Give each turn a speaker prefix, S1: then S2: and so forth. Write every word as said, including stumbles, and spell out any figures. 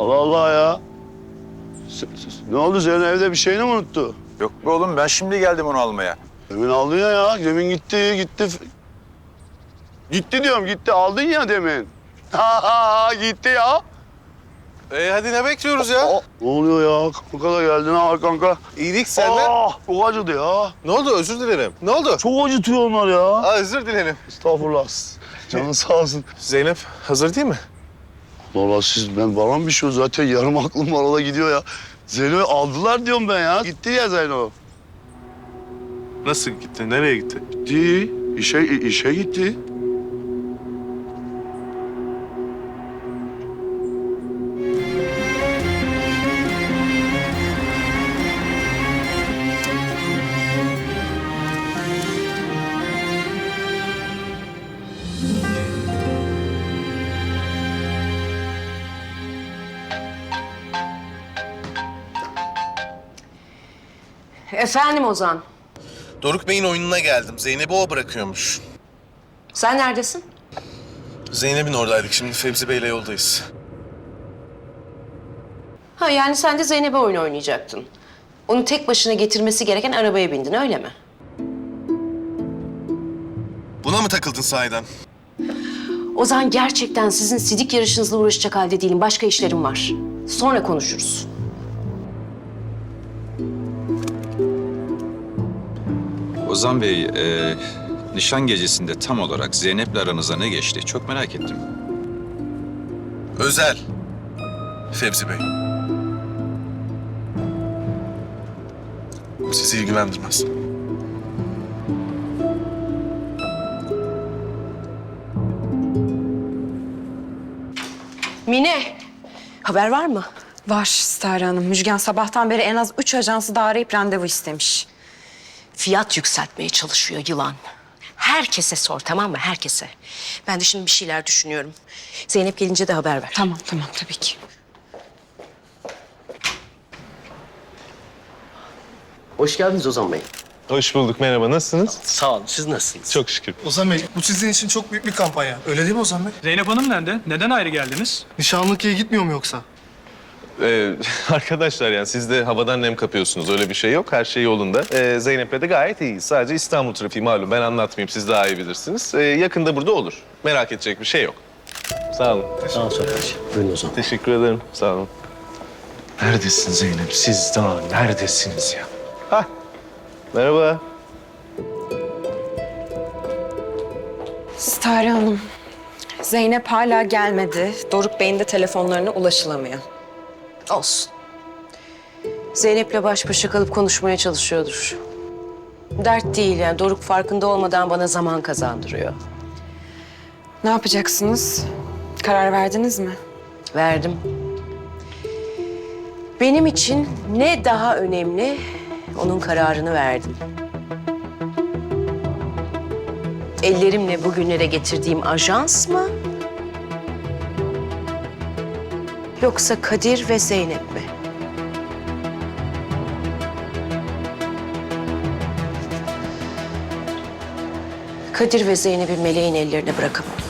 S1: Allah Allah ya. S- s- Ne oldu, senin evde bir şeyini mi unuttu?
S2: Yok be oğlum, ben şimdi geldim onu almaya.
S1: Demin aldın ya ya. Demin gitti, gitti. Gitti diyorum, gitti. Aldın ya demin. Ha ha gitti ya.
S3: E hadi ne bekliyoruz ya?
S1: Aa, ne oluyor ya? Kanka da geldin ha kanka.
S3: İyilik senden.
S1: Ah, çok acıdı ya.
S3: Ne oldu? Özür dilerim. Ne oldu?
S1: Çok acıtıyor onlar ya.
S3: Aa, özür dilerim.
S1: Estağfurullah. Canın sağ olsun.
S3: Zeynep hazır değil mi?
S1: Vallahi siz, ben bana bir şey zaten yarım aklım var, o da gidiyor ya. Zeyno'yu aldılar diyorum ben ya. Gitti ya Zeyno.
S3: Nasıl gitti? Nereye gitti?
S1: Gitti. İşe, işe gitti.
S4: Efendim Ozan,
S3: Doruk Bey'in oyununa geldim. Zeynep'i o bırakıyormuş.
S4: sen neredesin?
S3: Zeynep'in oradaydık. Şimdi Fevzi Bey'le yoldayız.
S4: Ha yani sen de Zeynep'e oyun oynayacaktın. Onu tek başına getirmesi gereken arabaya bindin, öyle mi?
S3: Buna mı takıldın sahiden?
S4: Ozan, gerçekten sizin sidik yarışınızla uğraşacak halde değilim. Başka işlerim var. Sonra konuşuruz.
S5: Ozan Bey, e, nişan gecesinde tam olarak Zeynep'le aranıza ne geçti? Çok merak ettim.
S3: Özel. Fevzi Bey. Sizi ilgilendirmez.
S4: Mine, haber var mı?
S6: Var Stare Hanım. Müjgan sabahtan beri en az üç ajansı daha arayıp randevu istemiş.
S4: Fiyat yükseltmeye çalışıyor yılan. Herkese sor, tamam mı? Herkese. Ben de şimdi bir şeyler düşünüyorum. Zeynep gelince de haber ver.
S6: Tamam, tamam tabii ki.
S7: Hoş geldiniz Ozan Bey.
S3: Hoş bulduk. Merhaba. Nasılsınız?
S7: Sağ olun. Siz nasılsınız?
S3: Çok şükür.
S8: Ozan Bey, bu sizin için çok büyük bir kampanya. Öyle değil mi Ozan Bey?
S9: Zeynep Hanım nerede? Neden ayrı geldiniz?
S8: Nişanlıkya gitmiyor mu yoksa?
S10: Ee, arkadaşlar yani siz de havadan nem kapıyorsunuz. Öyle bir şey yok. Her şey yolunda. Ee, Zeynep'le de gayet iyiyiz. Sadece İstanbul trafiği malum. Ben anlatmayayım. Siz daha iyi bilirsiniz. Ee, yakında burada olur. Merak edecek bir şey yok. Sağ olun.
S7: Sağ ol Sofyacığım. Buyurun Ozan.
S10: Teşekkür ederim. Sağ olun.
S3: Neredesin Zeynep? Siz daha neredesiniz ya?
S10: Hah. Merhaba.
S6: Stare Hanım, Zeynep hala gelmedi. Doruk Bey'in de telefonlarına ulaşılamıyor.
S4: Olsun. Zeynep'le baş başa kalıp konuşmaya çalışıyordur. Dert değil yani. Doruk farkında olmadan bana zaman kazandırıyor.
S6: Ne yapacaksınız? Karar verdiniz mi?
S4: Verdim. Benim için ne daha önemli, onun kararını verdim. Ellerimle bugünlere getirdiğim ajans mı? Yoksa Kadir ve Zeynep mi? Kadir ve Zeynep'i Meleğin ellerine bırakamam.